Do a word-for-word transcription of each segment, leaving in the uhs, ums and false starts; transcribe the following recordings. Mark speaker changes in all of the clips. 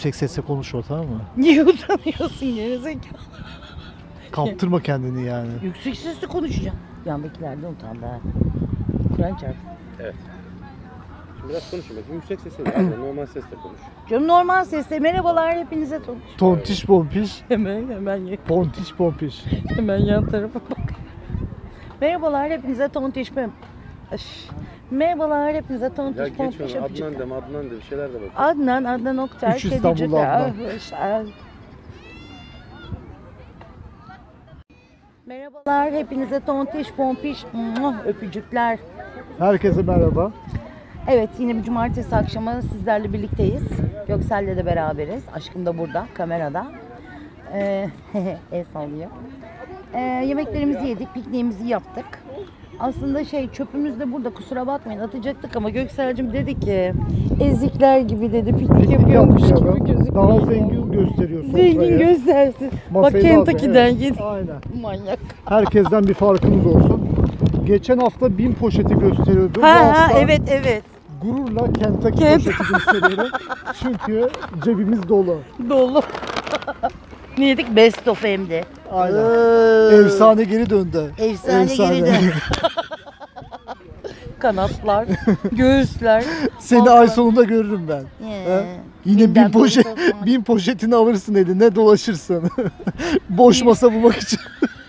Speaker 1: yüksek sesle konuşma, tamam mı?
Speaker 2: Niye utanıyorsun gerizekalı?
Speaker 1: Kaptırma kendini yani.
Speaker 2: Yüksek sesle konuşacağım. Yandakilerden utandı ha. Kur'an çarpsın.
Speaker 3: Evet. Şimdi biraz konuşayım. Yüksek sesle değil, normal sesle konuş.
Speaker 2: Canım normal sesle merhabalar hepinize tanış.
Speaker 1: Tontiş pompiş.
Speaker 2: Hemen hemen ye-
Speaker 1: Pontiş pompiş.
Speaker 2: hemen yan tarafa bak. Merhabalar hepinize tontiş pem. Öf. Merhabalar hepinize
Speaker 3: Ya
Speaker 2: tontiş
Speaker 3: geç
Speaker 2: pompiş
Speaker 3: onu.
Speaker 2: öpücük.
Speaker 3: Adnan deme, Adnan de bir şeyler de bak.
Speaker 2: Adnan, Adnan Oktar,
Speaker 1: Üç İstanbullu
Speaker 2: Kedicik.
Speaker 1: Adnan.
Speaker 2: Ah, işte. Merhabalar hepinize tontiş pompiş muah, öpücükler.
Speaker 1: Herkese merhaba.
Speaker 2: Evet, yine bir cumartesi akşamı sizlerle birlikteyiz. Göksel'le de beraberiz. Aşkım da burada, kamerada. Ee, el sallıyor. Ee, yemeklerimizi yedik, pikniğimizi yaptık. Aslında şey, çöpümüz de burada, kusura bakmayın, atacaktık ama Göksel'cim dedi ki ezikler gibi dedi, piknik yapıyormuş gibi
Speaker 1: Yapmayalım.
Speaker 2: gözüküyor.
Speaker 1: Daha zengin gösteriyor sofrayı.
Speaker 2: Zengin göstersin. Bak
Speaker 1: Masayı da
Speaker 2: Kentucky'den
Speaker 1: hazır, evet.
Speaker 2: yedi.
Speaker 1: Aynen.
Speaker 2: Manyak.
Speaker 1: Herkesten bir farkımız olsun. Geçen hafta bin poşeti gösteriyordu. Bu
Speaker 2: Ha ha
Speaker 1: hafta
Speaker 2: evet evet.
Speaker 1: gururla Kentucky
Speaker 2: Kent-
Speaker 1: poşeti gösteriyorum. Çünkü cebimiz dolu.
Speaker 2: Dolu. Ne yedik? Best of hem de.
Speaker 1: Aynen.
Speaker 2: Ee,
Speaker 1: Efsane geri döndü.
Speaker 2: Efsane,
Speaker 1: Efsane.
Speaker 2: geri dön. Kanatlar, göğüsler.
Speaker 1: Seni
Speaker 2: Vallahi.
Speaker 1: ay sonunda görürüm ben.
Speaker 2: Ee,
Speaker 1: Ha? Yine bin,
Speaker 2: binden
Speaker 1: poşet,
Speaker 2: poşet olsun.
Speaker 1: bin poşetini alırsın eline, dolaşırsın. Boş masa bulmak için.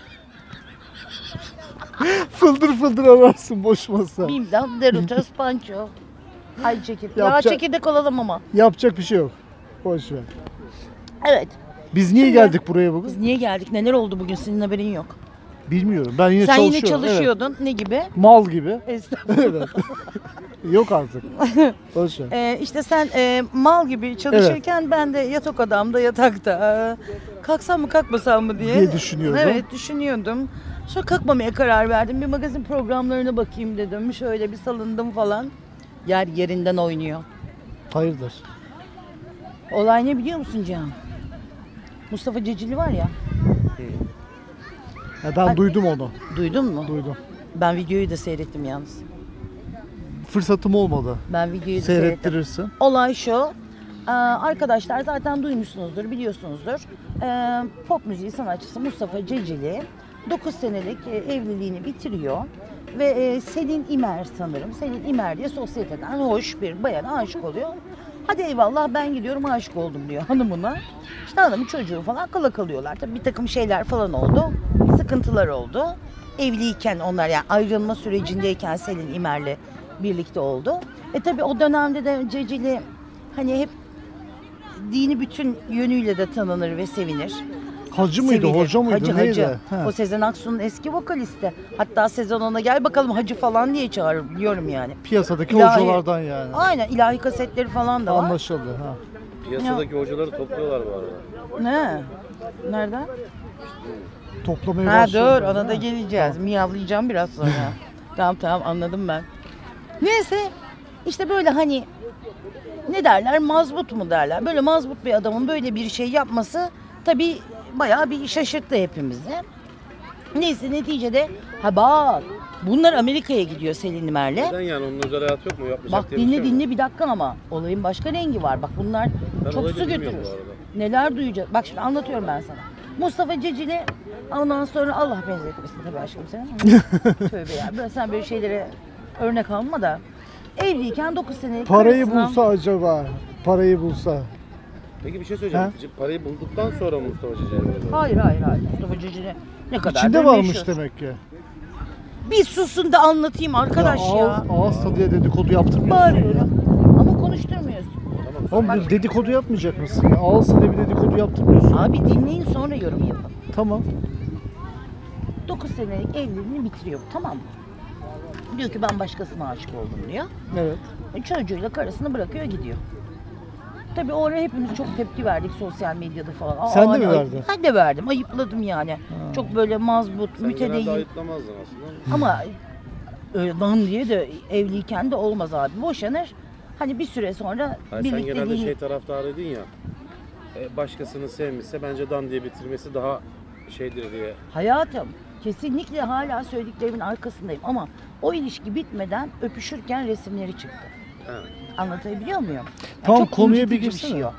Speaker 1: fıldır fıldır ararsın boş masa.
Speaker 2: Bim'den Derutas Pancho. Ay çekirdek. Ya
Speaker 1: Yapacak-
Speaker 2: çekirdek olalım ama.
Speaker 1: Yapacak bir şey yok. Boş ver.
Speaker 2: Evet.
Speaker 1: Biz niye
Speaker 2: Şimdi-
Speaker 1: geldik buraya bugün?
Speaker 2: Biz niye geldik? Neler oldu bugün? Senin haberin yok.
Speaker 1: Bilmiyorum. Ben yine
Speaker 2: Sen
Speaker 1: çalışıyorum.
Speaker 2: yine
Speaker 1: Evet.
Speaker 2: çalışıyordun. Ne gibi?
Speaker 1: Mal gibi.
Speaker 2: Estağfurullah.
Speaker 1: Evet. Yok artık. Boş ver.
Speaker 2: Ee, işte sen e, mal gibi çalışırken ben de yatak odamda yatakta e, kalksam mı kalkmasam mı diye,
Speaker 1: Diye düşünüyordum.
Speaker 2: Evet düşünüyordum. Sonra kalkmamaya karar verdim. Bir magazin programlarına bakayım dedim. Şöyle bir salındım falan. Yer yerinden oynuyor.
Speaker 1: Hayırdır?
Speaker 2: Olay ne biliyor musun Cihan? Mustafa Cecili var ya.
Speaker 1: Ya ben
Speaker 2: Hadi.
Speaker 1: duydum onu.
Speaker 2: Duydun mu?
Speaker 1: Duydum.
Speaker 2: Ben videoyu da seyrettim yalnız.
Speaker 1: Fırsatım olmadı.
Speaker 2: Ben videoyu da seyrettim.
Speaker 1: Seyrettirirsin.
Speaker 2: Olay şu. Ee, arkadaşlar zaten duymuşsunuzdur, biliyorsunuzdur. Ee, pop müziği sanatçısı Mustafa Cecili dokuz senelik e, evliliğini bitiriyor. Ve e, Selin İmer sanırım. Selin İmer diye sosyeteden hoş bir bayana aşık oluyor. Hadi eyvallah ben gidiyorum aşık oldum diyor hanımına. İşte hanımın çocuğu falan kala kalıyorlar. Tabii bir takım şeyler falan oldu. Sıkıntılar oldu. Evliyken onlar yani ayrılma sürecindeyken Selin İmer'le birlikte oldu. E tabii o dönemde de Cecili hani hep dini bütün yönüyle de tanınır ve sevinir.
Speaker 1: Hacı mıydı,
Speaker 2: Sevilir.
Speaker 1: hoca mıydı,
Speaker 2: Hacı,
Speaker 1: neydi?
Speaker 2: hacı.
Speaker 1: He.
Speaker 2: O Sezen Aksu'nun eski vokalisti. Hatta Sezen ona gel bakalım hacı falan diye çağırır biliyorum yani.
Speaker 1: Piyasadaki
Speaker 2: İlahi-
Speaker 1: hocalardan yani.
Speaker 2: Aynen ilahi kasetleri falan da var.
Speaker 1: Anlaşıldı. Ha.
Speaker 3: Piyasadaki hocaları topluyorlar bu arada.
Speaker 2: Ne? Nereden?
Speaker 1: Toplamaya
Speaker 2: Ha
Speaker 1: başladı.
Speaker 2: dur ona da geleceğiz. Miyavlayacağım biraz sonra. Tamam tamam anladım ben. Neyse işte böyle hani ne derler mazbut mu derler. Böyle mazbut bir adamın böyle bir şey yapması tabii bayağı bir şaşırttı hepimizi. Neyse neticede ha bak bunlar Amerika'ya gidiyor Selin İmer'le.
Speaker 3: Neden yani onun özel hayatı yok mu? Yapmayacak
Speaker 2: Bak
Speaker 3: diye bir
Speaker 2: dinle
Speaker 3: şey mi?
Speaker 2: dinle bir dakika ama olayın başka rengi var. Bak bunlar
Speaker 3: Ben
Speaker 2: çok
Speaker 3: olayı
Speaker 2: su
Speaker 3: da bilmiyorum
Speaker 2: götürür.
Speaker 3: bu arada.
Speaker 2: Neler duyacağız? Bak şimdi anlatıyorum ben sana. Mustafa Cecili ondan sonra Allah benzetmesin tabii aşkım sen. Tövbe ya. Böyle sen böyle şeylere örnek alma da. Evliyken dokuz senelik
Speaker 1: Parayı
Speaker 2: karısına-
Speaker 1: bulsa acaba, parayı bulsa.
Speaker 3: Peki bir şey söyleyeceğim. Parayı bulduktan sonra mı Mustafa Ceceli böyle?
Speaker 2: Hayır hayır hayır. Mustafa Cecili ne kadar
Speaker 1: İçinde varmış demek ki.
Speaker 2: Bir susun da anlatayım arkadaş ya.
Speaker 1: Ağız, ağız tadıya dedikodu yaptırmıyorsun
Speaker 2: Bağırıyorum. Ama konuşturmuyorsun.
Speaker 1: ya. Oğlum bir dedikodu yapmayacak mısın ya? Ağız tadıya bir dedikodu yaptırmıyorsun.
Speaker 2: Abi dinleyin sonra yorum yapın.
Speaker 1: Tamam.
Speaker 2: dokuz senelik evliliğini bitiriyor tamam mı? Diyor ki ben başkasına aşık oldum diyor.
Speaker 1: Evet.
Speaker 2: E, çocuğuyla karısını bırakıyor gidiyor. Tabii o ara hepimiz çok tepki verdik sosyal medyada falan. Aa,
Speaker 1: Sen de
Speaker 2: hani
Speaker 1: mi
Speaker 2: ayıp-
Speaker 1: verdin?
Speaker 2: Ben de verdim. Ayıpladım yani.
Speaker 1: Ha.
Speaker 2: Çok böyle mazbut,
Speaker 3: Sen genelde
Speaker 2: mütedeyyin.
Speaker 3: ayıplamazdın aslında.
Speaker 2: Ama öyle lan diye de evliyken de olmaz abi. Boşanır. Hani bir süre sonra
Speaker 3: Hayır, sen genelde
Speaker 2: birlikteliğini...
Speaker 3: şey taraftarıydın ya. e, Başkasını sevmişse bence dan diye bitirmesi daha şeydir diye.
Speaker 2: Hayatım kesinlikle hala söylediklerimin arkasındayım ama o ilişki bitmeden öpüşürken resimleri çıktı.
Speaker 3: Ha.
Speaker 2: Anlatabiliyor muyum? Yani
Speaker 1: Tamam,
Speaker 2: çok
Speaker 1: konuya bir
Speaker 2: incitici
Speaker 1: girsene.
Speaker 2: şey o.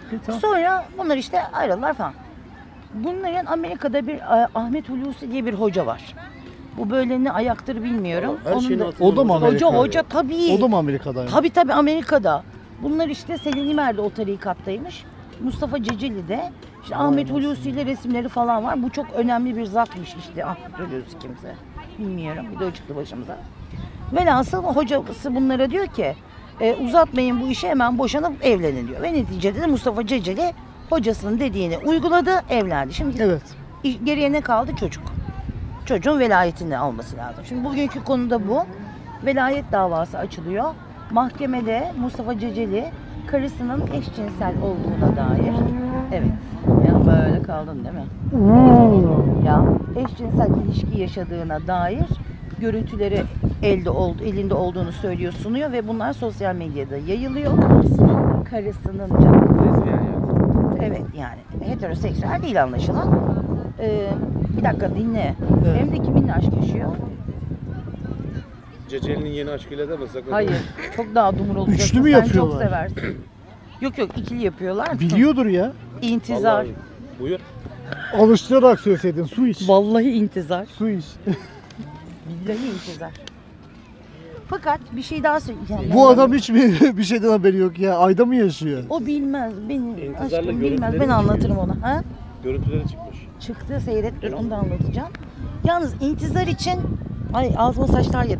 Speaker 1: tamam.
Speaker 2: Sonra bunlar işte ayrıldılar falan. Bunların Amerika'da bir e, Ahmet Hulusi diye bir hoca var. Bu böyle ne ayaktır bilmiyorum.
Speaker 3: Her şeyin
Speaker 2: da,
Speaker 3: altında
Speaker 1: O da mı
Speaker 3: hoca-
Speaker 1: Amerika?
Speaker 2: hoca hoca tabii.
Speaker 1: O da mı Amerika'daymış?
Speaker 2: Tabii tabii Amerika'da. Bunlar işte Selin İmer de o tarikattaymış. Mustafa Ceceli de. İşte Ahmet Hulusi ile resimleri falan var. Bu çok önemli bir zatmış işte. Ahmet Hulusi kimse. Bilmiyorum. Bir de o çıktı başımıza. Velhasıl hocası bunlara diyor ki e, uzatmayın bu işi, hemen boşanıp evlenin diyor. Ve neticede de Mustafa Ceceli hocasının dediğini uyguladı, evlendi. Şimdi
Speaker 1: Evet.
Speaker 2: iş- geriye ne kaldı? Çocuk. Çocuğun velayetini alması lazım. Şimdi bugünkü konuda bu. Velayet davası açılıyor. Mahkemede Mustafa Ceceli karısının eşcinsel olduğuna dair. Evet. Ya böyle kaldın değil mi? Ya eşcinsel ilişki yaşadığına dair görüntüleri elde oldu, elinde olduğunu söylüyor, sunuyor ve bunlar sosyal medyada yayılıyor. Karısının, karısının canı.
Speaker 3: Lezbiyen yani.
Speaker 2: Evet yani heteroseksüel değil anlaşılan. Ee, bir dakika dinle.
Speaker 1: Evet.
Speaker 2: Hem de kiminle aşk yaşıyor?
Speaker 3: Ceceli'nin yeni aşkıyla da mı sakın?
Speaker 2: Hayır. Çok daha dumur olacaksın.
Speaker 1: Üçlü mü
Speaker 2: Sen
Speaker 1: yapıyorlar?
Speaker 2: çok seversin. Yok yok ikili yapıyorlar.
Speaker 1: Biliyordur ya.
Speaker 2: İntizar.
Speaker 3: Vallahi, buyur.
Speaker 1: Alıştırarak söyleseydin su iç.
Speaker 2: Vallahi intizar.
Speaker 1: Su iç.
Speaker 2: Billahi intizar. Fakat bir şey daha söyleyeceğim.
Speaker 1: Bu adam hiç mi bir şeyden haberi yok ya? Ayda mı yaşıyor?
Speaker 2: O bilmez. Benim
Speaker 3: İntizarla
Speaker 2: aşkım bilmez.
Speaker 3: görüntüleri
Speaker 2: Ben
Speaker 3: mi
Speaker 2: anlatırım ona. Ha?
Speaker 3: Görüntüleri çıkmış.
Speaker 2: Çıktı seyret dur onu da anlatacağım. Yalnız intizar için ay ağzıma saçlar yere.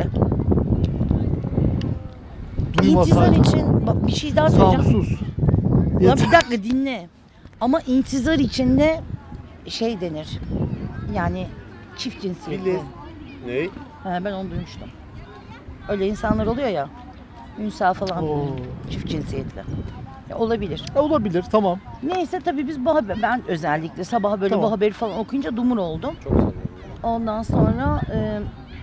Speaker 2: İntizar
Speaker 1: Duymasaydın.
Speaker 2: için bak bir şey daha
Speaker 1: Tamam
Speaker 2: söyleyeceğim.
Speaker 1: sus.
Speaker 2: Ya
Speaker 1: Yeter.
Speaker 2: bir dakika dinle. Ama intizar için de şey denir. Yani çift cinsiyetli.
Speaker 3: Bilir. Ney?
Speaker 2: Ha, ben onu duymuştum. Öyle insanlar oluyor ya. Ünsal falan.
Speaker 1: Oo.
Speaker 2: Çift cinsiyetli. Ya olabilir.
Speaker 1: E, olabilir tamam.
Speaker 2: Neyse tabii biz bu haber, ben özellikle sabah böyle
Speaker 1: Tamam.
Speaker 2: bu haberi falan okuyunca dumur oldum.
Speaker 3: Çok sanıyorum.
Speaker 2: Ondan sonra e,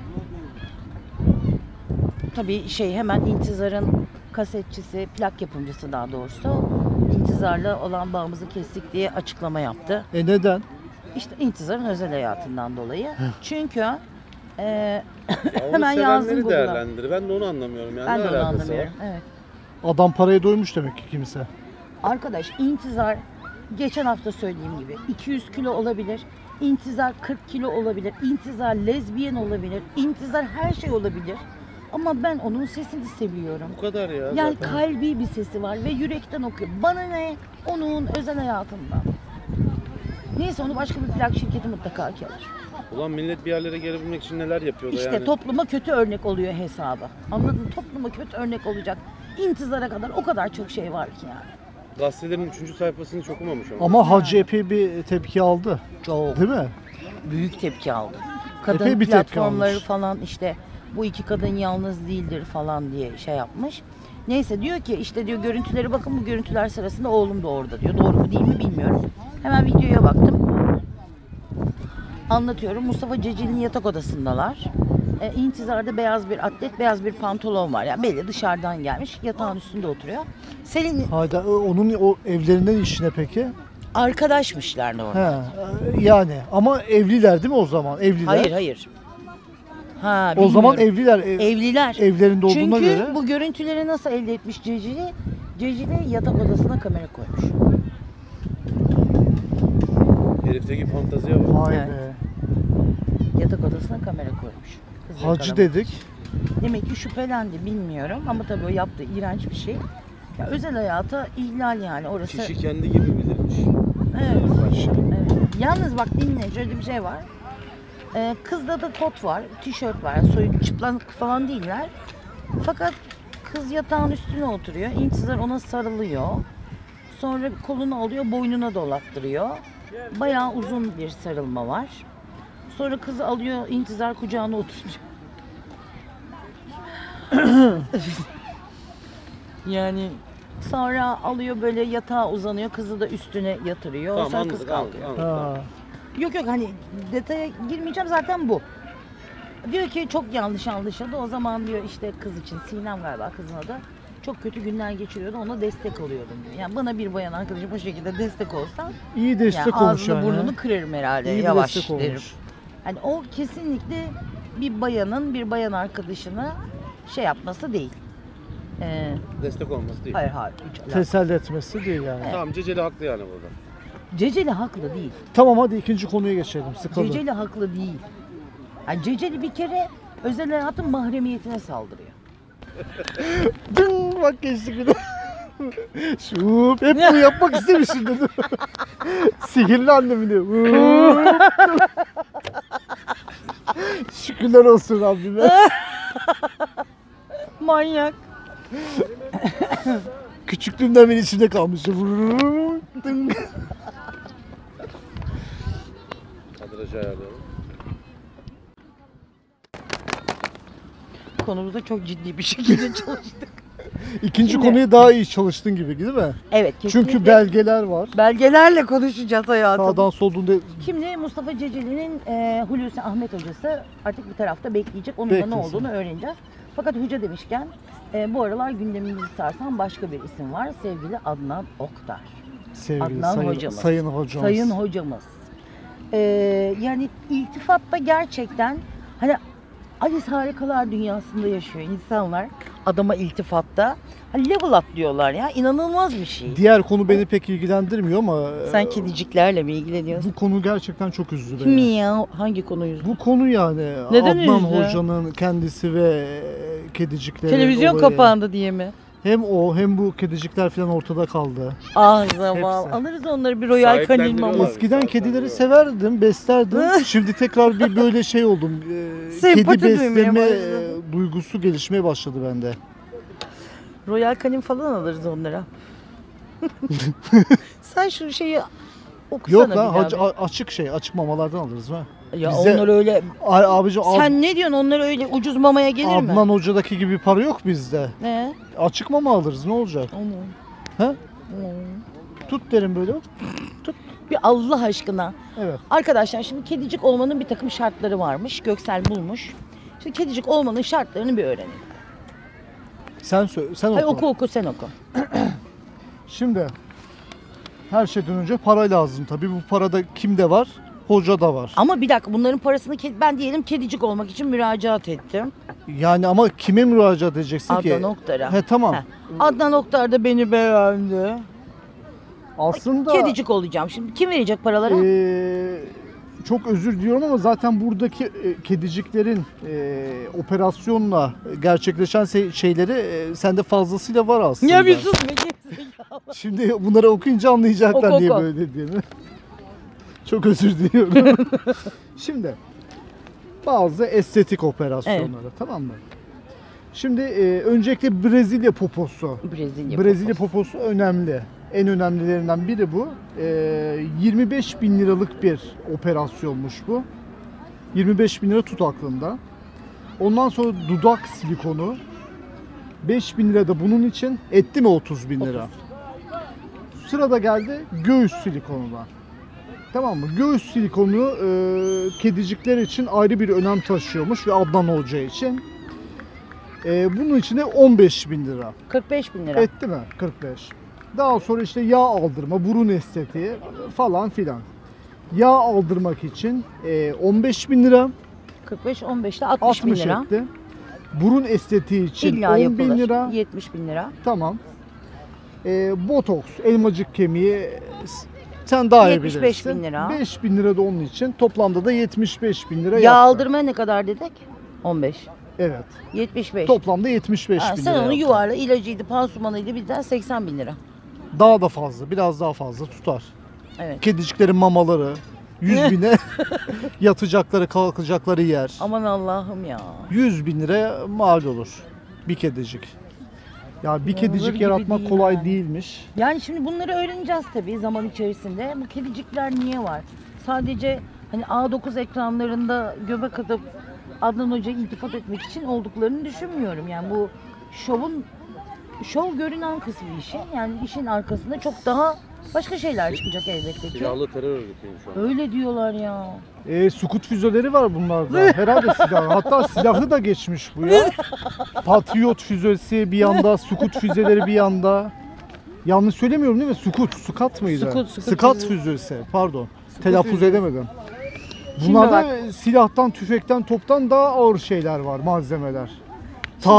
Speaker 2: tabii şey hemen İntizar'ın kasetçisi, plak yapımcısı daha doğrusu İntizar'la olan bağımızı kestik diye açıklama yaptı.
Speaker 1: E neden?
Speaker 2: İşte İntizar'ın özel hayatından dolayı. Çünkü e,
Speaker 3: Ya onu
Speaker 2: Hemen yazdım
Speaker 3: sevenleri
Speaker 2: Google'a.
Speaker 3: değerlendir. Ben de onu anlamıyorum yani.
Speaker 2: ben
Speaker 3: ne
Speaker 2: de onu
Speaker 3: alakası
Speaker 2: anlamıyorum.
Speaker 3: var?
Speaker 2: Evet.
Speaker 1: Adam paraya doymuş demek ki kimse.
Speaker 2: Arkadaş İntizar geçen hafta söylediğim gibi iki yüz kilo olabilir. İntizar kırk kilo olabilir. İntizar lezbiyen olabilir. İntizar her şey olabilir. Ama ben onun sesini seviyorum.
Speaker 3: Bu kadar ya.
Speaker 2: Yani
Speaker 3: zaten.
Speaker 2: kalbi bir sesi var ve yürekten okuyor. Bana ne? Onun özel hayatından. Neyse onu başka bir plak şirketi mutlaka alır.
Speaker 3: Ulan millet bir yerlere gelebilmek için neler yapıyor da
Speaker 2: İşte
Speaker 3: yani.
Speaker 2: topluma kötü örnek oluyor hesabı. Anladın mı? Topluma kötü örnek olacak. İntizara kadar o kadar çok şey var ki yani.
Speaker 3: Gazetelerin üçüncü sayfasını hiç okumamış ama.
Speaker 1: Ama Hacı epey bir tepki aldı.
Speaker 2: Çok
Speaker 1: Değil mi?
Speaker 2: büyük tepki aldı. Kadın
Speaker 1: Epey bir tepki
Speaker 2: platformları
Speaker 1: almış.
Speaker 2: falan işte bu iki kadın yalnız değildir falan diye şey yapmış. Neyse diyor ki işte diyor görüntüleri bakın bu görüntüler sırasında oğlum da orada diyor. Doğru mu değil mi bilmiyorum. Hemen videoya baktım. Anlatıyorum. Mustafa Ceceli'nin yatak odasındalar. E, İntizar'da beyaz bir atlet, beyaz bir pantolon var. Yani belli dışarıdan gelmiş. Yatağın üstünde oturuyor. Selin
Speaker 1: Hayda e, onun o evlerinden işine peki?
Speaker 2: arkadaşmışlar normal.
Speaker 1: He. e, Yani ama evliler değil mi o zaman? Evliler.
Speaker 2: Hayır hayır. Ha,
Speaker 1: O zaman
Speaker 2: bilmiyorum.
Speaker 1: evliler. ev-
Speaker 2: Evliler.
Speaker 1: evlerinde olduğuna
Speaker 2: Çünkü
Speaker 1: göre.
Speaker 2: bu görüntüleri nasıl elde etmiş Cecili? Cecili yatak odasına kamera koymuş.
Speaker 3: Herifteki fantaziye bak.
Speaker 1: Vay
Speaker 2: Evet.
Speaker 1: be.
Speaker 2: Yatak odasına kamera koymuş. Kızı
Speaker 1: Hacı
Speaker 2: yakalamak.
Speaker 1: dedik.
Speaker 2: Demek ki şüphelendi bilmiyorum ama tabii o yaptığı iğrenç bir şey. Ya özel hayata ihlal yani orası.
Speaker 3: Kişi kendi gibi bilirmiş.
Speaker 2: Evet.
Speaker 3: Baş.
Speaker 2: Evet. Yalnız bak dinle şöyle bir şey var. Ee, kızda da kot var, tişört var. Soyun çıplak falan değiller. Fakat kız yatağın üstüne oturuyor. İntizar ona sarılıyor. Sonra kolunu alıyor, boynuna dolattırıyor. Bayağı uzun bir sarılma var. Sonra kızı alıyor, İntizar kucağına oturuyor. Yani sonra alıyor böyle yatağa uzanıyor, kızı da üstüne yatırıyor.
Speaker 3: Tamam
Speaker 2: sonra
Speaker 3: anladık
Speaker 2: kız
Speaker 3: anladık.
Speaker 2: kalkıyor.
Speaker 3: anladık.
Speaker 1: Ha.
Speaker 2: Yok yok hani detaya girmeyeceğim zaten bu. Diyor ki çok yanlış anlaşıldı. O zaman diyor işte kız için Sinem galiba kızın adı. Çok kötü günler geçiriyordu. Ona destek oluyordum diyor. Yani bana bir bayan arkadaşım bu şekilde destek olsa
Speaker 1: İyi destek
Speaker 2: yani
Speaker 1: olmuş
Speaker 2: ağzını
Speaker 1: yani.
Speaker 2: burnunu kırarım herhalde.
Speaker 1: İyi bir
Speaker 2: Yavaş
Speaker 1: destek
Speaker 2: derim.
Speaker 1: olmuş.
Speaker 2: Hani o kesinlikle bir bayanın bir bayan arkadaşına şey yapması değil. Ee,
Speaker 3: Destek olması değil.
Speaker 2: hayır hayır. Hiç alakası.
Speaker 1: Teselli etmesi değil yani.
Speaker 3: Tamam, Ceceli haklı yani burada.
Speaker 2: Ceceli haklı değil.
Speaker 1: Tamam hadi ikinci konuya geçelim. Sıkıldım.
Speaker 2: Ceceli haklı değil. Yani Ceceli bir kere özel hayatın mahremiyetine saldırıyor.
Speaker 1: Dın, bak geçtik bir de. Şuup. Hep bunu yapmak istemişim dedim. Sihirli annem diyor. Şükürler olsun Rabbime.
Speaker 2: Manyak.
Speaker 1: Küçüklüğümden beri içimde kalmış. Dın.
Speaker 3: Kadrajı ayarlayalım.
Speaker 2: Konumuzda çok ciddi bir şekilde çalıştık.
Speaker 1: İkinci
Speaker 2: Şimdi-
Speaker 1: konuya daha iyi çalıştın gibi değil mi?
Speaker 2: Evet kesinlikle.
Speaker 1: Çünkü belgeler var.
Speaker 2: belgelerle konuşacağız hayatım.
Speaker 1: Sağdan soldan da
Speaker 2: Şimdi Mustafa Ceceli'nin e, Hulusi Ahmet hocası artık bir tarafta bekleyecek. Onun da ne
Speaker 1: Beklesin.
Speaker 2: olduğunu öğreneceğiz. Fakat hoca demişken e, bu aralar gündemimizi sarsan başka bir isim var. Sevgili Adnan Oktar.
Speaker 1: sevgili
Speaker 2: Adnan
Speaker 1: sayın,
Speaker 2: hocamız.
Speaker 1: sayın hocamız.
Speaker 2: Sayın hocamız. E, yani iltifatta gerçekten hani Alice Harikalar Dünyası'nda yaşıyor insanlar. Adama iltifatta. Hani level atlıyorlar ya. İnanılmaz bir şey.
Speaker 1: Diğer konu beni pek ilgilendirmiyor ama
Speaker 2: Sen
Speaker 1: e,
Speaker 2: kediciklerle mi ilgileniyorsun?
Speaker 1: bu konu gerçekten çok üzdü
Speaker 2: Kim
Speaker 1: beni.
Speaker 2: ya? Hangi konuyu?
Speaker 1: Bu konu yani
Speaker 2: Neden
Speaker 1: Adnan
Speaker 2: üzdü?
Speaker 1: Hoca'nın kendisi ve kedicikleri
Speaker 2: Televizyon
Speaker 1: olayı.
Speaker 2: kapandı diye mi?
Speaker 1: Hem o hem bu kedicikler falan ortada kaldı.
Speaker 2: Ah zaman.
Speaker 1: Hepsi.
Speaker 2: Alırız onları bir Royal Canin
Speaker 3: Sahiplendiriyorlar.
Speaker 2: maması.
Speaker 1: Eskiden
Speaker 3: zaten
Speaker 1: kedileri
Speaker 3: ya.
Speaker 1: severdim, beslerdim. Şimdi tekrar bir böyle şey oldum. e,
Speaker 2: Sempati
Speaker 1: kedi
Speaker 2: duymaya
Speaker 1: besleme
Speaker 2: başladım.
Speaker 1: e, duygusu gelişmeye başladı bende.
Speaker 2: Royal Canin falan alırız onlara. Sen şu şeyi okusana
Speaker 1: Yok
Speaker 2: bir
Speaker 1: lan
Speaker 2: daha
Speaker 1: hac-
Speaker 2: bir.
Speaker 1: a- açık şey, açık mamalardan alırız ha.
Speaker 2: Ya
Speaker 1: bize-
Speaker 2: onlar öyle.
Speaker 1: Ay, abicim Ad-
Speaker 2: Sen ne diyorsun? Onlar öyle ucuz mamaya gelir mi?
Speaker 1: Adnan Hoca'daki gibi para yok bizde.
Speaker 2: Ne?
Speaker 1: Açık mama alırız ne olacak?
Speaker 2: Onu.
Speaker 1: He?
Speaker 2: Onu.
Speaker 1: Tut derim böyle.
Speaker 2: Bir Allah aşkına.
Speaker 1: Evet.
Speaker 2: Arkadaşlar şimdi kedicik olmanın bir takım şartları varmış. Göksel bulmuş. Şimdi kedicik olmanın şartlarını bir öğrenelim.
Speaker 1: Sen söyle, sen
Speaker 2: Hay
Speaker 1: oku.
Speaker 2: oku oku sen oku.
Speaker 1: Şimdi her şeyden önce para lazım tabii. Bu parada kimde var? Hocada var.
Speaker 2: Ama bir dakika bunların parasını ked- ben diyelim kedicik olmak için müracaat ettim.
Speaker 1: Yani ama kime müracaat edeceksin ki?
Speaker 2: Adnan Oktar'a.
Speaker 1: He tamam.
Speaker 2: Heh. Adnan Oktar da beni beğendi.
Speaker 1: Aslında
Speaker 2: Kedicik olacağım. Şimdi kim verecek paraları?
Speaker 1: eee, çok özür diliyorum ama zaten buradaki e, kediciklerin e, operasyonla gerçekleşen se- şeyleri e, sende fazlasıyla var aslında.
Speaker 2: ya bir sus be gerizekalı.
Speaker 1: Şimdi bunları okuyunca anlayacaklar
Speaker 2: Oku,
Speaker 1: diye
Speaker 2: oku.
Speaker 1: böyle dediğimi. Çok özür diliyorum. Şimdi bazı estetik operasyonları tamam mı? Şimdi e, öncelikle Brezilya poposu.
Speaker 2: Brezilya.
Speaker 1: Brezilya
Speaker 2: poposu.
Speaker 1: poposu önemli. En önemlilerinden biri bu. E, yirmi beş bin liralık bir operasyonmuş bu. yirmi beş bin lira tut aklında. Ondan sonra dudak silikonu. beş bin lira da bunun için. Etti mi otuz bin lira? Sırada geldi göğüs silikonuna. Tamam mı? Göğüs silikonu e, kedicikler için ayrı bir önem taşıyormuş ve Adnan Hoca için. E, bunun için de on beş bin lira.
Speaker 2: kırk beş bin lira.
Speaker 1: Etti mi? kırk beş. Daha sonra işte yağ aldırma, burun estetiği falan filan. Yağ aldırmak için e, on beş bin lira.
Speaker 2: kırk beş on beşte altmış bin
Speaker 1: altmış
Speaker 2: lira.
Speaker 1: etti. Burun estetiği için
Speaker 2: İlla
Speaker 1: on
Speaker 2: yapılır.
Speaker 1: bin lira.
Speaker 2: yetmiş bin lira.
Speaker 1: Tamam. E, botoks, elmacık kemiği s- sen daha iyi
Speaker 2: yetmiş beş
Speaker 1: bilirsin.
Speaker 2: bin lira.
Speaker 1: beş bin lira da onun için. Toplamda da yetmiş beş bin lira
Speaker 2: Yağ
Speaker 1: yaptı.
Speaker 2: aldırmaya ne kadar dedik? on beş.
Speaker 1: Evet.
Speaker 2: yetmiş beş.
Speaker 1: Toplamda yetmiş beş
Speaker 2: Ha,
Speaker 1: bin
Speaker 2: sen
Speaker 1: lira
Speaker 2: onu
Speaker 1: yaptı.
Speaker 2: yuvarla ilacıydı, pansumanıydı bizden seksen bin lira.
Speaker 1: Daha da fazla, biraz daha fazla tutar.
Speaker 2: Evet.
Speaker 1: Kediciklerin mamaları, yüz bine yatacakları, kalkacakları yer.
Speaker 2: Aman Allah'ım ya.
Speaker 1: yüz bin lira mal olur bir kedicik. Ya bir
Speaker 2: Olur
Speaker 1: kedicik
Speaker 2: gibi
Speaker 1: yaratmak
Speaker 2: değil
Speaker 1: kolay
Speaker 2: yani.
Speaker 1: değilmiş.
Speaker 2: Yani şimdi bunları öğreneceğiz tabii zaman içerisinde. Bu kedicikler niye var? Sadece hani A dokuz ekranlarında göbek atıp Adnan Hoca'ya iltifat etmek için olduklarını düşünmüyorum. Yani bu şovun şov görünen kısmı işin. Yani işin arkasında çok daha başka şeyler çıkacak elbette ki.
Speaker 3: Silahlı terör örgütüymüş o.
Speaker 2: Öyle diyorlar ya.
Speaker 1: E, sukut füzeleri var bunlarda. Herhalde silah. Hatta silahlı da geçmiş bu ya. Patriot füzesi bir yanda, sukut füzeleri bir yanda. Yanlış söylemiyorum değil mi? Sukut, sukat mıydı?
Speaker 2: Sukut, sukut
Speaker 1: Sıkat
Speaker 2: füzesi.
Speaker 1: füzesi. Pardon. Telaffuz
Speaker 2: füzesi.
Speaker 1: edemedim.
Speaker 2: Şimdi
Speaker 1: Bunlarda silahtan, tüfekten, toptan daha ağır şeyler var, malzemeler. Tahr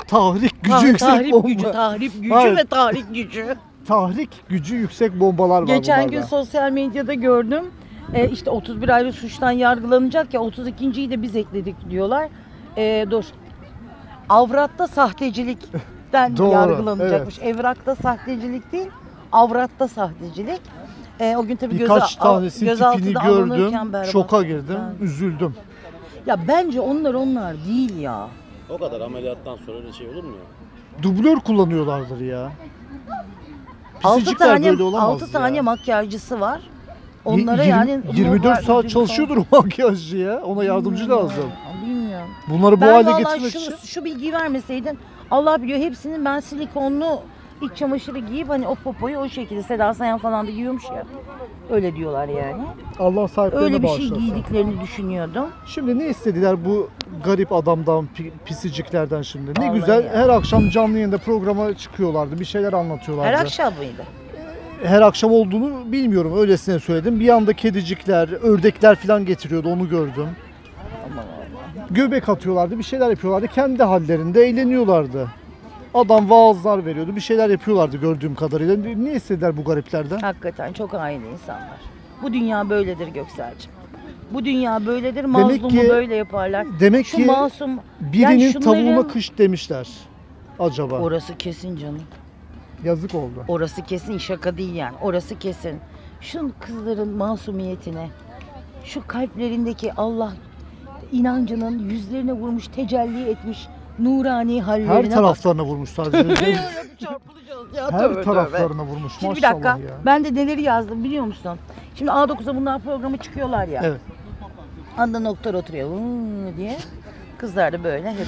Speaker 1: tahrik gücü
Speaker 2: Tah-
Speaker 1: yüksek
Speaker 2: tahrip
Speaker 1: bomba.
Speaker 2: gücü, tahrip gücü
Speaker 1: Hayır.
Speaker 2: ve tahrik gücü.
Speaker 1: Tahrik gücü yüksek bombalar var
Speaker 2: Geçen
Speaker 1: bunlarda.
Speaker 2: gün sosyal medyada gördüm. E, işte otuz bir ayrı suçtan yargılanacak ya otuz ikinciyi de biz ekledik diyorlar. E, dur. Avratta sahtecilikten
Speaker 1: Doğru,
Speaker 2: yargılanacakmış. Evrakta sahtecilik değil, avratta sahtecilik. E, o gün tabii
Speaker 1: Birkaç
Speaker 2: göze,
Speaker 1: tanesinin tipini
Speaker 2: gözaltına
Speaker 1: gördüm,
Speaker 2: alınırken berbat.
Speaker 1: şoka girdim,
Speaker 2: Ben-
Speaker 1: üzüldüm.
Speaker 2: Ya bence onlar onlar değil ya.
Speaker 3: O kadar ameliyattan sonra öyle şey olur mu ya?
Speaker 1: Dublör kullanıyorlardır ya.
Speaker 2: altı
Speaker 1: Pisicikler
Speaker 2: tane
Speaker 1: böyle olamaz
Speaker 2: altı
Speaker 1: ya.
Speaker 2: tane makyajcısı var.
Speaker 1: Y-
Speaker 2: Onlara
Speaker 1: yirmi-
Speaker 2: yani
Speaker 1: yirmi dört
Speaker 2: normal
Speaker 1: saat
Speaker 2: ödül
Speaker 1: çalışıyordur o makyajcı ya. Ona yardımcı
Speaker 2: Bilmiyorum
Speaker 1: lazım.
Speaker 2: ya, Bilmiyorum.
Speaker 1: Bunları bu
Speaker 2: Ben
Speaker 1: hale
Speaker 2: vallahi
Speaker 1: getirmek
Speaker 2: şu,
Speaker 1: için
Speaker 2: şu bilgiyi vermeseydin Allah biliyor hepsinin ben silikonlu iç çamaşırı giyip hani o popoyu o şekilde Seda Sayan falan da giyiyormuş ya. Öyle diyorlar yani.
Speaker 1: Allah sahiplerine
Speaker 2: Öyle bir şey
Speaker 1: bağışlasın.
Speaker 2: giydiklerini düşünüyordum.
Speaker 1: Şimdi ne istediler bu garip adamdan, pi- pisiciklerden şimdi? Ne
Speaker 2: Vallahi
Speaker 1: güzel
Speaker 2: ya.
Speaker 1: her akşam canlı yayında programa çıkıyorlardı. Bir şeyler anlatıyorlardı.
Speaker 2: Her akşam mıydı?
Speaker 1: Her akşam olduğunu bilmiyorum. Öylesine söyledim. Bir anda kedicikler, ördekler falan getiriyordu. Onu gördüm.
Speaker 2: Aman Allah.
Speaker 1: Göbek atıyorlardı. Bir şeyler yapıyorlardı. Kendi hallerinde eğleniyorlardı. Adam vaazlar veriyordu. Bir şeyler yapıyorlardı gördüğüm kadarıyla. Ne istediler bu gariplerden?
Speaker 2: Hakikaten çok hain insanlar. Bu dünya böyledir Göksel'cim. Bu dünya böyledir. Mazlumu
Speaker 1: ki-
Speaker 2: böyle yaparlar.
Speaker 1: Demek
Speaker 2: Şu
Speaker 1: ki
Speaker 2: masum
Speaker 1: birinin
Speaker 2: yani şunların-
Speaker 1: tavuğuna kış demişler. Acaba.
Speaker 2: orası kesin canım.
Speaker 1: Yazık oldu.
Speaker 2: Orası kesin şaka değil yani. Orası kesin. Şu kızların masumiyetine, şu kalplerindeki Allah inancının yüzlerine vurmuş, tecelli etmiş nurani hallerine
Speaker 1: Her
Speaker 2: bak.
Speaker 1: taraflarına vurmuş sadece.
Speaker 2: Çarpılacağız ya.
Speaker 1: Her
Speaker 2: tövbe tövbe.
Speaker 1: taraflarına vurmuş.
Speaker 2: Şimdi bir
Speaker 1: Maşallah
Speaker 2: dakika.
Speaker 1: ya.
Speaker 2: Ben de neleri yazdım biliyor musun? Şimdi A dokuzda bunlar programa çıkıyorlar ya.
Speaker 1: Evet.
Speaker 2: Anda noktalar oturuyor "Vıı" diye. Kızlar da böyle hep.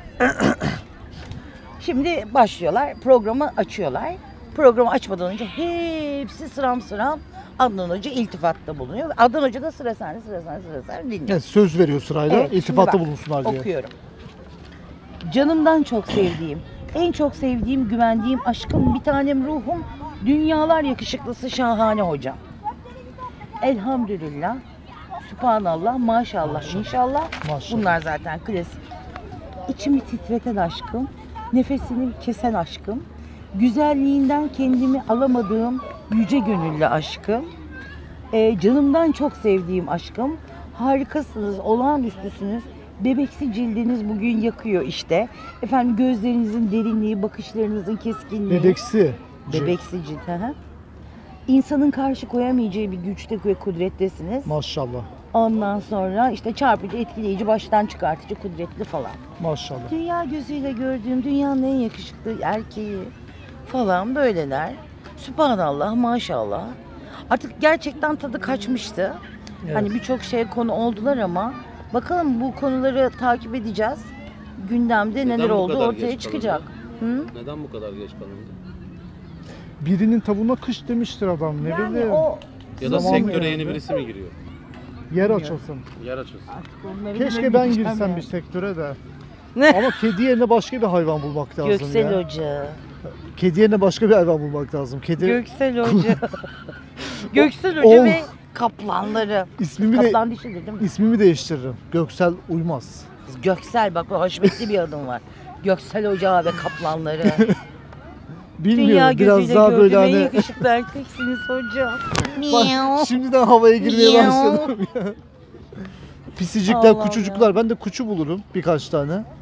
Speaker 2: Şimdi başlıyorlar. Programı açıyorlar. Programı açmadan önce hepsi sıram sıram Adnan Hoca iltifatta bulunuyor. Adnan Hoca da sıra sende, sıra sende, sıra sende dinliyor.
Speaker 1: Evet, söz veriyor sırayla.
Speaker 2: Evet, şimdi
Speaker 1: iltifatta
Speaker 2: bak,
Speaker 1: bulunsunlar diye.
Speaker 2: Okuyorum. Canımdan çok sevdiğim, en çok sevdiğim, güvendiğim aşkım, bir tanem ruhum, dünyalar yakışıklısı şahane hocam. Elhamdülillah, Sübhanallah, maşallah, inşallah.
Speaker 1: Maşallah.
Speaker 2: Bunlar zaten klasik. İçimi titreten aşkım, nefesini kesen aşkım, güzelliğinden kendimi alamadığım yüce gönüllü aşkım, Ee, canımdan çok sevdiğim aşkım, harikasınız, olağanüstüsünüz, bebeksi cildiniz bugün yakıyor işte. Efendim gözlerinizin derinliği, bakışlarınızın keskinliği.
Speaker 1: Bebeksi.
Speaker 2: Bebeksi cilt. Hı hı. İnsanın karşı koyamayacağı bir güçte ve kudrettesiniz.
Speaker 1: Maşallah.
Speaker 2: Ondan sonra işte çarpıcı, etkileyici, baştan çıkartıcı, kudretli falan.
Speaker 1: Maşallah.
Speaker 2: Dünya gözüyle gördüğüm dünyanın en yakışıklı erkeği falan böyleler. Sübhanallah, maşallah. Artık gerçekten tadı kaçmıştı.
Speaker 1: Evet.
Speaker 2: Hani birçok şeye konu oldular ama bakalım bu konuları takip edeceğiz. Gündemde
Speaker 3: Neden
Speaker 2: neler
Speaker 3: bu
Speaker 2: oldu
Speaker 3: kadar
Speaker 2: ortaya
Speaker 3: geç
Speaker 2: çıkacak. Hı?
Speaker 3: Neden bu kadar geç kalındı?
Speaker 1: Birinin tavuğuna kış demiştir adam. Ne
Speaker 2: Yani
Speaker 1: bileyim.
Speaker 2: o
Speaker 3: Ya da
Speaker 1: Zaman
Speaker 3: sektöre
Speaker 1: yani.
Speaker 3: yeni birisi mi giriyor?
Speaker 1: Yer açılsın.
Speaker 3: Yer açılsın.
Speaker 2: artık onları
Speaker 1: Keşke ben
Speaker 2: bilemeyeceğim
Speaker 1: girsem
Speaker 2: yani.
Speaker 1: bir sektöre de.
Speaker 2: Ne?
Speaker 1: Ama kedi yerine başka bir hayvan bulmak lazım
Speaker 2: Göksel
Speaker 1: ya.
Speaker 2: Hoca.
Speaker 1: Kedi yerine başka bir hayvan bulmak lazım. Kedi
Speaker 2: Göksel Hoca. Göksel Hoca
Speaker 1: Ol.
Speaker 2: ve kaplanları.
Speaker 1: ismimi de
Speaker 2: Kaplan dişidir değil mi?
Speaker 1: ismimi değiştiririm. Göksel uymaz.
Speaker 2: Göksel bak o haşmetli bir adım var. Göksel Hoca ve kaplanları.
Speaker 1: Bilmiyorum.
Speaker 2: Dünya
Speaker 1: biraz
Speaker 2: gözüyle
Speaker 1: daha böyle
Speaker 2: gördüğüm en
Speaker 1: hani
Speaker 2: yakışıklı erkeksiniz hocam.
Speaker 1: Bak, şimdiden havaya girmeye
Speaker 2: Miau.
Speaker 1: başladım ya. Pisicikler,
Speaker 2: Allah
Speaker 1: kuçucuklar. Ben de kuçu bulurum birkaç tane.
Speaker 2: Hı.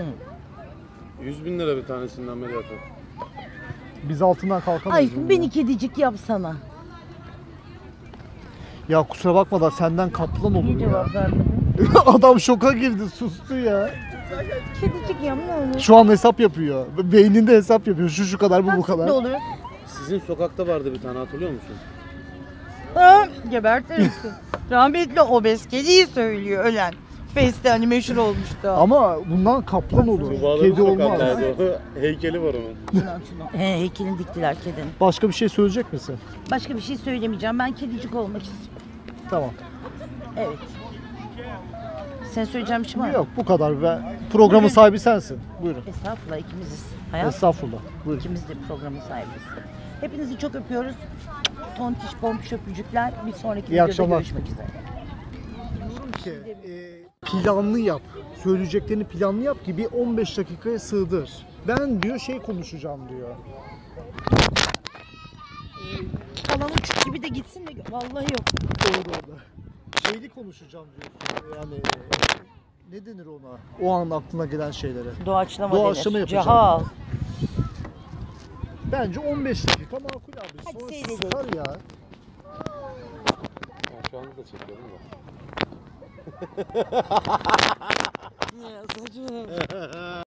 Speaker 3: yüz bin lira bir tanesinin ameliyatı.
Speaker 1: Biz altından kalkamayız.
Speaker 2: Ay
Speaker 1: bunun
Speaker 2: beni
Speaker 1: ya.
Speaker 2: kedicik yapsana.
Speaker 1: Ya kusura bakma da senden kaplan olur
Speaker 2: Niye
Speaker 1: ya.
Speaker 2: cevap vermedin?
Speaker 1: Adam şoka girdi, sustu ya.
Speaker 2: Kedicik yap ne olur.
Speaker 1: Şu an hesap yapıyor. Beyninde hesap yapıyor. Şu şu kadar, bu bu kadar.
Speaker 2: Ne olur?
Speaker 3: Sizin sokakta vardı bir tane, hatırlıyor musun?
Speaker 2: Ha, gebertirim. Rahmetli obez kediyi söylüyor ölen. Face'te hani meşhur olmuştu.
Speaker 1: Ama bundan kaplan olur.
Speaker 3: Tuğba'ların
Speaker 1: Kedi olmaz.
Speaker 3: sokağındaydı o. Heykeli var onun.
Speaker 2: Şunu, şunu. He, heykelini diktiler kedinin.
Speaker 1: Başka bir şey söyleyecek misin?
Speaker 2: Başka bir şey söylemeyeceğim. Ben kedicik olmak istiyorum.
Speaker 1: Tamam.
Speaker 2: Evet. Sen söyleyeceğim bir şey var mı?
Speaker 1: Yok, bu kadar. Ben programın
Speaker 2: Bugün-
Speaker 1: sahibi sensin. Buyurun.
Speaker 2: Estağfurullah ikimiziz. Hayat
Speaker 1: Estağfurullah. Buyurun.
Speaker 2: ikimiz de programın sahibiyiz. Hepinizi çok öpüyoruz. Tontiş pompiş öpücükler. Bir sonraki
Speaker 1: İyi
Speaker 2: videoda
Speaker 1: akşamlar.
Speaker 2: görüşmek üzere.
Speaker 1: ki e, planlı yap. Söyleyeceklerini planlı yap ki bir on beş dakikaya sığdır. Ben diyor şey konuşacağım diyor.
Speaker 2: Kalan uçuk gibi de gitsin de vallahi yok.
Speaker 1: Doğru orada. Şeyli konuşacağım diyorsun. Yani e, ne denir ona? O an aklına gelen şeylere.
Speaker 2: Doğaçlama
Speaker 1: Doğaçlama
Speaker 2: denir.
Speaker 1: yapacağım.
Speaker 2: Cahal.
Speaker 1: Bence on beş dakika makul abi.
Speaker 2: Hadi
Speaker 1: Sonra
Speaker 2: seyredelim.
Speaker 1: sıkar ya.
Speaker 3: Ben şu anda da çekiyorum da.
Speaker 2: Ya saçmalama.